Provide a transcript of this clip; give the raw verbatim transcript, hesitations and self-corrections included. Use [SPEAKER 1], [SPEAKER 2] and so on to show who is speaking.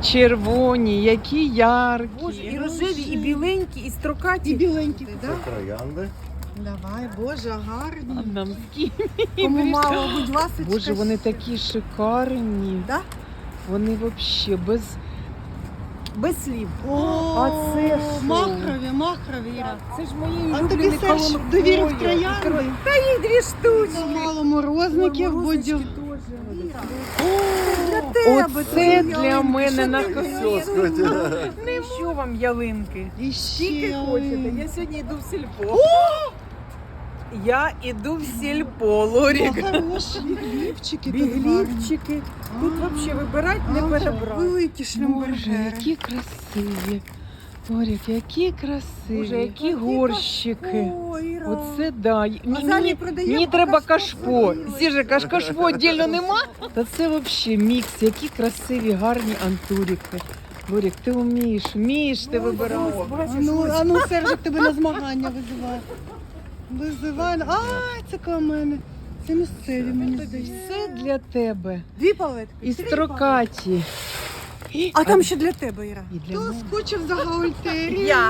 [SPEAKER 1] червоні, які яркі.
[SPEAKER 2] Боже, і рожеві, і біленькі, і строкаті.
[SPEAKER 3] І біленький,
[SPEAKER 4] Це
[SPEAKER 3] так?
[SPEAKER 4] троянди.
[SPEAKER 3] Давай, Боже,
[SPEAKER 1] А
[SPEAKER 3] гарні.
[SPEAKER 1] нам з ким?
[SPEAKER 3] Кому мало, будь ласочка.
[SPEAKER 1] Боже, вони такі шикарні.
[SPEAKER 3] Да?
[SPEAKER 1] Вони взагалі без...
[SPEAKER 2] Без слів.
[SPEAKER 3] О,
[SPEAKER 1] А це що?
[SPEAKER 3] махрові, махрові, Іра.
[SPEAKER 2] Це ж мої
[SPEAKER 3] А тобі
[SPEAKER 2] улюблені
[SPEAKER 3] Серж
[SPEAKER 2] колон-
[SPEAKER 3] довірив
[SPEAKER 2] Ой,
[SPEAKER 3] троянди?
[SPEAKER 2] Та їй дві штучки.
[SPEAKER 3] Мало морозників,
[SPEAKER 2] Ой,
[SPEAKER 3] будь.
[SPEAKER 2] морозочки теж. Іра.
[SPEAKER 3] Для
[SPEAKER 2] тебе,
[SPEAKER 1] Оце
[SPEAKER 2] твої
[SPEAKER 1] для
[SPEAKER 2] ялинки,
[SPEAKER 1] мене
[SPEAKER 2] що
[SPEAKER 1] на
[SPEAKER 2] ти
[SPEAKER 4] Все, скотя.
[SPEAKER 2] Не що вам ялинки?
[SPEAKER 3] І
[SPEAKER 2] Скільки
[SPEAKER 3] ще
[SPEAKER 2] хочете. Я сьогодні йду в сільпо. Я йду в сільпо, Лорік.
[SPEAKER 3] хороші біглівчики.
[SPEAKER 2] Біглівчики. Тут взагалі вибирати не перебрати.
[SPEAKER 3] Великі
[SPEAKER 1] Боже,
[SPEAKER 3] шлюмбергери.
[SPEAKER 1] які красиві. Орік, які красиві,
[SPEAKER 2] Боже,
[SPEAKER 1] які горщики.
[SPEAKER 2] Ой, Іра.
[SPEAKER 1] Оце да. Ні,
[SPEAKER 2] А залі
[SPEAKER 1] мені,
[SPEAKER 2] продаємо
[SPEAKER 1] мені треба
[SPEAKER 2] кашпо
[SPEAKER 1] кашпо.
[SPEAKER 2] свої.
[SPEAKER 1] Сіже, каш кашпо віддільно нема. Та це взагалі мікс, які красиві, гарні антурики. Борік, ти вмієш, вмієш ти вибирати.
[SPEAKER 2] Ось, бачиш,
[SPEAKER 3] А ну,
[SPEAKER 2] ось.
[SPEAKER 3] а ну, Сержик тебе на змагання визиває. Визиває. Ай, це коло мене. Це місцеві, мені здається.
[SPEAKER 1] Все для тебе.
[SPEAKER 2] Дві палетки.
[SPEAKER 1] І
[SPEAKER 2] три
[SPEAKER 1] строкаті.
[SPEAKER 2] А там ще для тебе, Іра.
[SPEAKER 1] І для
[SPEAKER 3] Хто
[SPEAKER 1] мене.
[SPEAKER 3] скучив за гаультерію?
[SPEAKER 2] Я.